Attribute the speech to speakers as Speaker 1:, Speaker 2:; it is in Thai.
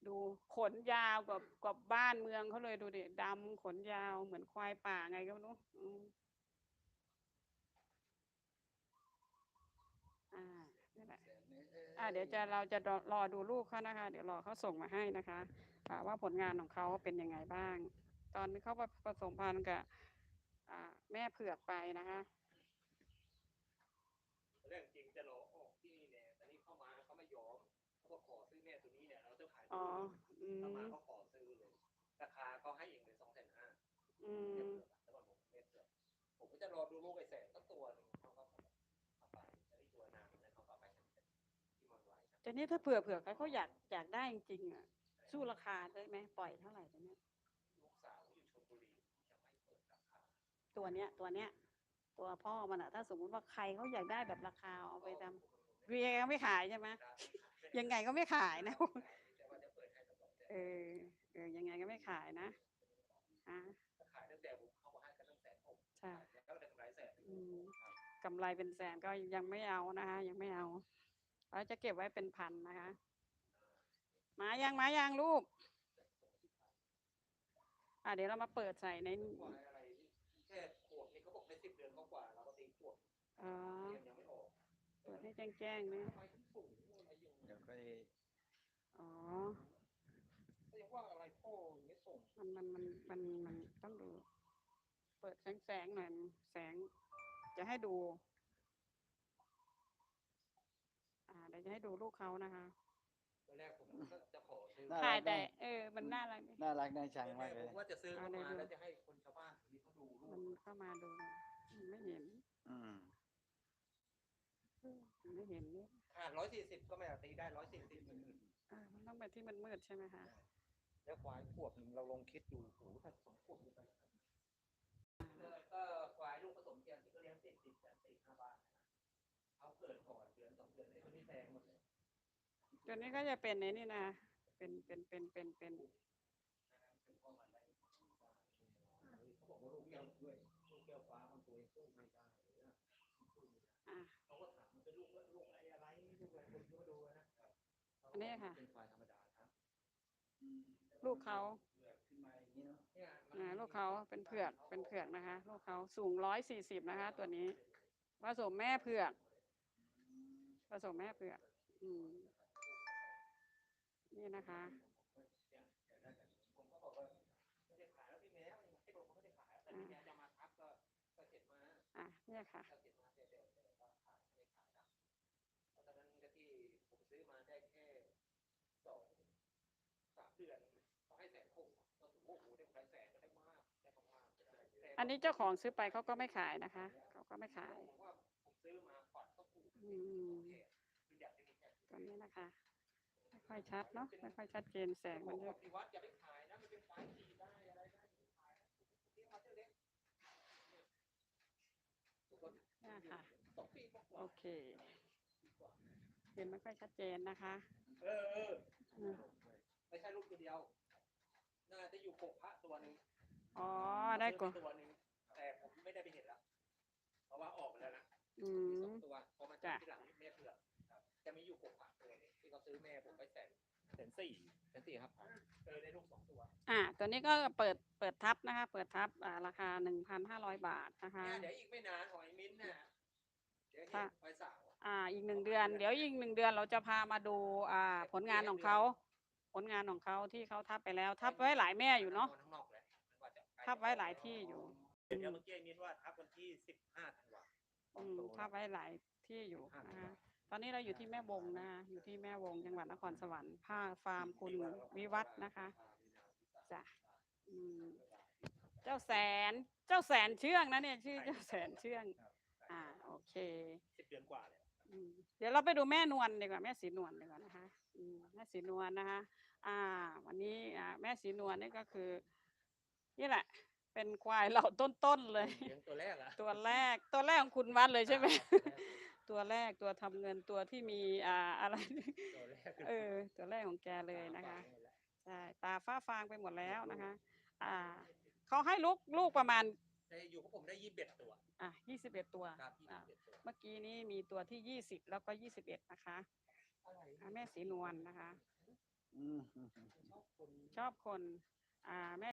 Speaker 1: ดูขนยาวกับบ้านเมืองเขาเลยดูดิดำขนยาวเหมือนควายป่าไงก็ไม่รู้นี่แหละเดี๋ยวเราจะรอดูลูกเขานะคะ เดี๋ยวรอเขาส่งมาให้นะคะว่าผลงานของเขาเป็นยังไงบ้าง ตอนนี้เขาผสมพันธุ์กับแม่เผือกไปนะคะ
Speaker 2: เรื่องจริงจะรอออกที่นี่เนี่ยตอนนี้เข้ามาเขาไม่ยอมเขาขอซื้อแม่ตัวนี้เนี่ยเราจะขายเข้ามาเขาขอซื้อเลยราคาเขาให้เองเลย250,000แล้วก็ผมก็จะรอดูลูกไอ้แสนสักตัวหนึ่งเขาก็เอาไปไอ้ตัวนางแล้วเขาก็ไปที่เมืองไว้
Speaker 1: แต่นี้ถ้าเผื่อเขาอยากได้จริงอ่ะสู้ราคาได้ไหมปล่อยเท่าไหร่ตัวเนี้ย
Speaker 2: ลูกสาวอยู่ชลบุรีจะไม่เปิดราคา
Speaker 1: ตัวเนี้ยตัวพ่อมันอะถ้าสมมติว่าใครเขาอยากได้แบบราคาเอาไปทำเรียก็ไม่ขายใช่ไหมยังไงก็ไม่ขายนะยังไงก็ไม่ขายนะ
Speaker 2: ขายตั้งแต่ผมเข้ามาให้กันตั้งแต่ผม
Speaker 1: ใช่
Speaker 2: แล้วได้กำไรแสน
Speaker 1: กำไรเป็นแสนก็ยังไม่เอานะคะยังไม่เอาเราจะเก็บไว้เป็นพันนะคะมายังลูกเดี๋ยวเรามาเปิดใส่ใน
Speaker 2: แค่ขวบนี่เขาบอกใน10 เดือนกว่าเราก็ตีขวบยังไม่ออก
Speaker 1: เปิดให้แจ้งๆนะ
Speaker 2: เดี๋ยวก็ยังว่าอะไรพ่อไม่ส่ง
Speaker 1: มันต้องดูเปิดแสงหน่อยแสงจะให้ดูเดี๋ยวจะให้ดูลูกเขานะคะ
Speaker 2: ตอนแรกผมก็จะขอซื้อ
Speaker 1: ถ่ายแต่มันน่ารัก
Speaker 3: น่าชังมากเลย
Speaker 2: ว่าจะซื้อเข้ามาแล้วจะให้คนชาวบ้านที่เขาดู
Speaker 1: มันเข้ามาดูไม่เห็นไม่เห็นนี่
Speaker 2: 140ก็ไม่ตีได้140
Speaker 1: มันต้องไปที่มันมืดใช่ไหมคะ
Speaker 2: แล้วควายขวบหนึ่งเราลองคิดดูโอ้ถ้า2 ขวบไปก็ควายลูกผสมเทียมที่เขาเลี้ยงติดกัน4-5 บ้านเขาเกิดก่อนเดือน2 เดือนไอ้คนนี้แพงหมดเลย
Speaker 1: ตัวนี้ก็จะเป็นในนี่นะเป็น
Speaker 2: เขาบอกว่าลูกแก้วด้วยลูกแก้วฟ้ามันตัวเองสู้ไม่ได้เขาก็ถามมันเป็นลูกอะไรลูกอะไรคนก็ดูนะ
Speaker 1: อันนี้ค่ะ
Speaker 2: เป็นควายธรรมดาครับ
Speaker 1: ลูกเขาลูกเขาเป็นเผือกนะคะลูกเขาสูง140นะคะตัวนี้ผสมแม่เผือกนี่นะคะ
Speaker 2: ผมก็บอกว่าไม่ได้ขายแล้วพี่แมวให้ผมไม่ได้ขายแต่พี่แมวจะมาทับก็เก็บมา
Speaker 1: เนี่ยค่ะ
Speaker 2: เก็บมาเดี๋ยวขายไม่ขายนะเพราะตอนนั้นก็ที่ผมซื้อมาได้แค่2-3 เดือนเขาให้160,000ก็ถือโอ้โหได้กำไรแสนก็ได้มากได้มาก
Speaker 1: อันนี้เจ้าของซื้อไปเขาก็ไม่ขายนะคะเขาก็ไม่ขาย
Speaker 2: ผมซื้อมาก่อนก็ถูก
Speaker 1: ตอนนี้นะคะไม่ค่อยชัดเนาะไม่ค่อยชัดเจนแสงมันเยอะ
Speaker 2: อย่าไปขายนะมันเป็นไฟสีได้อะไรได้ขายที่มาเท่าเล็ก
Speaker 1: ค่ะโอเคเห็นไม่ค่อยชัดเจนนะคะ
Speaker 2: ไม่ใช่ลูกตัวเดียวน่าจะอยู่กบพระตัวนึง
Speaker 1: ได้กบ
Speaker 2: ตัวนึงแต่ผมไม่ได้ไปเห็นแล้วเพราะว่าออกไปแล้วนะตัวพอมาจากที่หลังแม่เผือกจะมีอยู่กบพระตัวนึงที่เขาซื้อแม่ผมไป140,000ครับได้ลูก2 ตัว
Speaker 1: ตัวนี้ก็เปิดทับนะคะเปิดทับราคา 1,500 บาทนะคะ
Speaker 2: เดี๋ยวอีกไม่นานหอยมิ้นน่ะเดี๋ยวไปสาว
Speaker 1: อีก1 เดือนเดี๋ยวอีก1 เดือนเราจะพามาดูผลงานของเขาที่เขาทับไปแล้วทับไว้หลายแม่อยู่เนาะทับไว้หลายที่อยู่
Speaker 2: เดี๋ยวเมื่อกี้มิ้นว่าทับวันที่15 ธันวาคม
Speaker 1: ทับไว้หลายที่อยู่นะคะตอนนี้เราอยู่ที่แม่วงนะคะอยู่ที่แม่วงจังหวัดนครสวรรค์ฟาร์มคุณวิวัฒน์นะคะจ้ะเจ้าแสนเชื่องนะเนี่ยชื่อเจ้าแสนเชื่องโอเค
Speaker 2: 10 เดือนกว่าเลย
Speaker 1: เดี๋ยวเราไปดูแม่นวลดีกว่าแม่สีนวลดีกว่านะคะแม่สีนวลนะคะวันนี้แม่สีนวลนี่ก็คือนี่แหละเป็นควายเหล่าต้นๆเลย
Speaker 2: ตัวแรก
Speaker 1: ของคุณวัดเลยใช่ไหมตัวแรกตัวทำเงินตัวที่มีอะไรตัวแรกของแกเลยนะคะใช่ตาฟ้าฟางไปหมดแล้วนะคะเขาให้ลูกประมาณ
Speaker 2: อยู่กับผมได้21 ตัว
Speaker 1: 21 ตัวเมื่อกี้นี้มีตัวที่20แล้วก็21นะคะแม่สีนวลนะคะชอบคน แม่